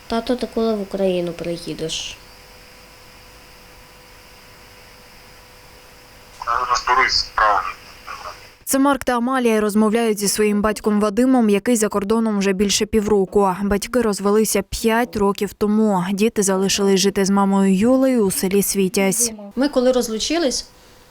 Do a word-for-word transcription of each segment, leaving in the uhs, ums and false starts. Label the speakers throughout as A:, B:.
A: Тато, ти коли в Україну приїдеш?
B: Розберусь з справами.
C: Це Марк та Амалія розмовляють зі своїм батьком Вадимом, який за кордоном вже більше півроку. Батьки розвелися п'ять років тому. Діти залишились жити з мамою Юлею у селі Світязь.
D: Ми коли розлучились,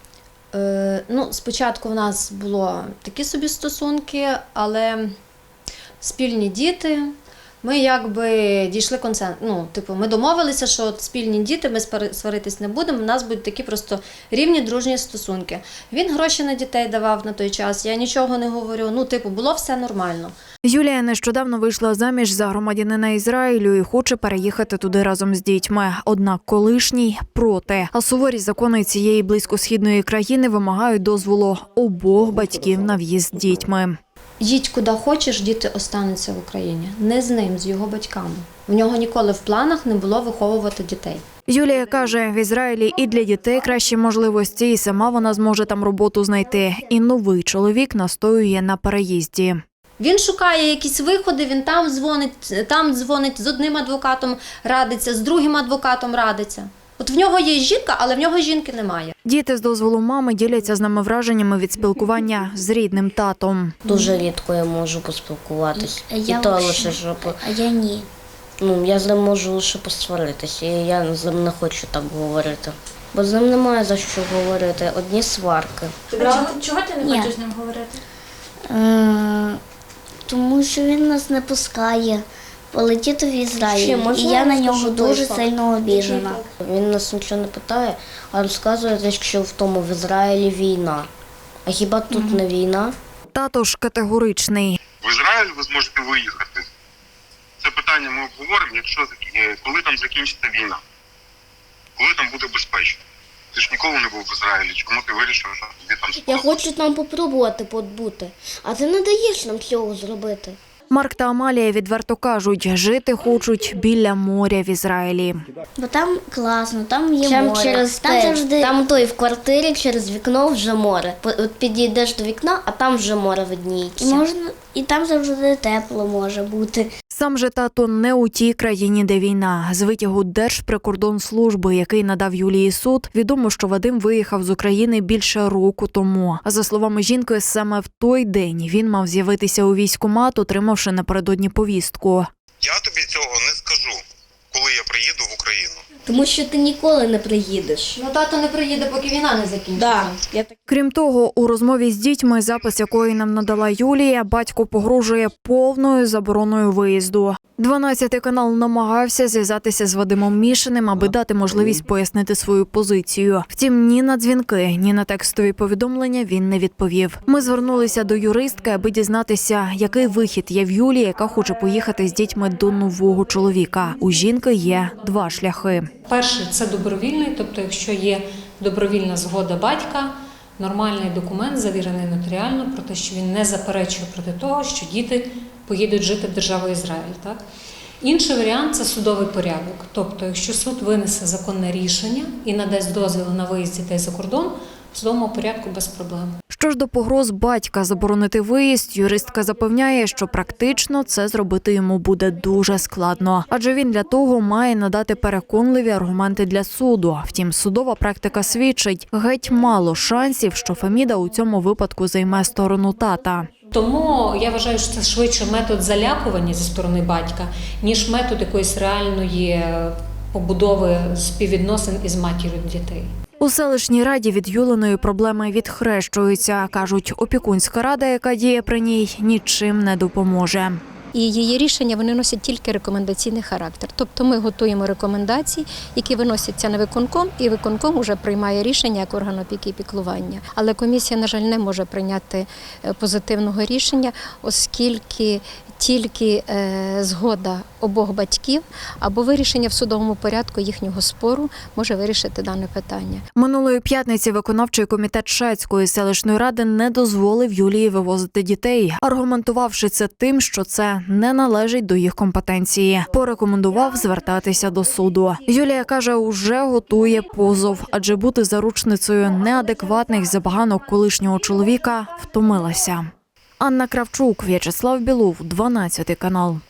D: е, ну, спочатку в нас було такі собі стосунки, але спільні діти, ми якби дійшли консенсусу. Ну, типу, ми домовилися, що от спільні діти, ми сваритись не будемо, у нас будуть такі просто рівні дружні стосунки. Він гроші на дітей давав на той час, я нічого не говорю, ну, типу, було все нормально.
C: Юлія нещодавно вийшла заміж за громадянина Ізраїлю і хоче переїхати туди разом з дітьми. Однак колишній проти. А суворі закони цієї близькосхідної країни вимагають дозволу обох батьків на в'їзд з дітьми.
D: Їдь куди хочеш, діти остануться в Україні. Не з ним, з його батьками. В нього ніколи в планах не було виховувати дітей.
C: Юлія каже, в Ізраїлі і для дітей кращі можливості, і сама вона зможе там роботу знайти. І новий чоловік настоює на переїзді.
D: Він шукає якісь виходи, він там дзвонить, там дзвонить, з одним адвокатом радиться, з другим адвокатом радиться. От в нього є жінка, але в нього жінки немає.
C: Діти з дозволу мами діляться з нами враженнями від спілкування з рідним татом.
A: Дуже рідко я можу поспілкуватись.
E: А
A: І
E: я
A: то
E: взагалі-
A: лише, щоб...
E: А я ні.
A: Ну, я з ним можу лише посваритися, і я з ним не хочу так говорити. Бо з ним немає за що говорити, одні сварки.
F: Чого, чого ти не
E: Ні.
F: хочеш з ним говорити?
E: Е, тому що він нас не пускає полетіти в
A: Ще
E: Ізраїль.
A: можна
E: І я на
A: я
E: нього
A: розкажу
E: дуже
A: той факт?
E: сильно обіжена.
A: Він нас нічого не питає, а розказує, що в тому в Ізраїлі війна. А хіба тут mm-hmm. не війна?
C: Тато ж категоричний.
B: В Ізраїль ви зможете виїхати. Це питання ми обговоримо, якщо коли там закінчиться війна. Коли там буде безпечно. Ти ж ніколи не був в Ізраїлі, чому ти вирішив, що тобі там сподобається?
A: Я хочу там попробувати побути, а ти не даєш нам цього зробити.
C: Марк та Амалія відверто кажуть, жити хочуть біля моря в Ізраїлі.
E: Бо там класно, там є
A: Там
E: море.
A: через
E: там
A: те,
E: завжди
A: там той в квартирі через вікно вже море. От підійдеш до вікна, а там вже море видніється.
E: і можна, і там завжди тепло може бути.
C: Сам же тато не у тій країні, де війна. З витягу Держприкордонслужби, який надав Юлії суд, відомо, що Вадим виїхав з України більше року тому. А за словами жінки, саме в той день він мав з'явитися у військкомат, отримавши напередодні повістку.
B: Я тобі цього не скажу, коли я приїду в Україну.
A: Тому що ти ніколи не приїдеш.
D: Ну, тато не приїде, поки війна не закінчиться.
A: Да, я так...
C: Крім того, у розмові з дітьми, запис якої нам надала Юлія, батько погрожує повною забороною виїзду. дванадцятий канал намагався зв'язатися з Вадимом Мішиним, аби дати можливість пояснити свою позицію. Втім, ні на дзвінки, ні на текстові повідомлення він не відповів. Ми звернулися до юристки, аби дізнатися, який вихід є в Юлії, яка хоче поїхати з дітьми до нового чоловіка. У жінки є два шляхи.
F: Перший – це добровільний, тобто якщо є добровільна згода батька, нормальний документ, завірений нотаріально, про те, що він не заперечує проти того, що діти поїдуть жити в державу Ізраїль. Так? Інший варіант – це судовий порядок. Тобто, якщо суд винесе законне рішення і надасть дозвіл на виїзд дітей за кордон, в судовому порядку без проблем.
C: Що ж до погроз батька заборонити виїзд, юристка запевняє, що практично це зробити йому буде дуже складно. Адже він для того має надати переконливі аргументи для суду. Втім, судова практика свідчить, геть мало шансів, що Феміда у цьому випадку займе сторону тата.
F: Тому я вважаю, що це швидше метод залякування зі сторони батька, ніж метод якоїсь реальної побудови співвідносин із матір'ю дітей.
C: У селищній раді від Юлиної проблеми відхрещуються. Кажуть, опікунська рада, яка діє при ній, нічим не допоможе.
G: І її рішення вони носять тільки рекомендаційний характер. Тобто ми готуємо рекомендації, які виносяться на виконком, і виконком вже приймає рішення як орган опіки і піклування. Але комісія, на жаль, не може прийняти позитивного рішення, оскільки тільки е, згода обох батьків або вирішення в судовому порядку їхнього спору може вирішити дане питання.
C: Минулої п'ятниці виконавчий комітет Шацької селищної ради не дозволив Юлії вивозити дітей, аргументувавши це тим, що це не належить до їх компетенції. Порекомендував звертатися до суду. Юлія каже, уже готує позов, адже бути заручницею неадекватних забаганок колишнього чоловіка втомилася. Анна Кравчук, В'ячеслав Білов, дванадцятий канал.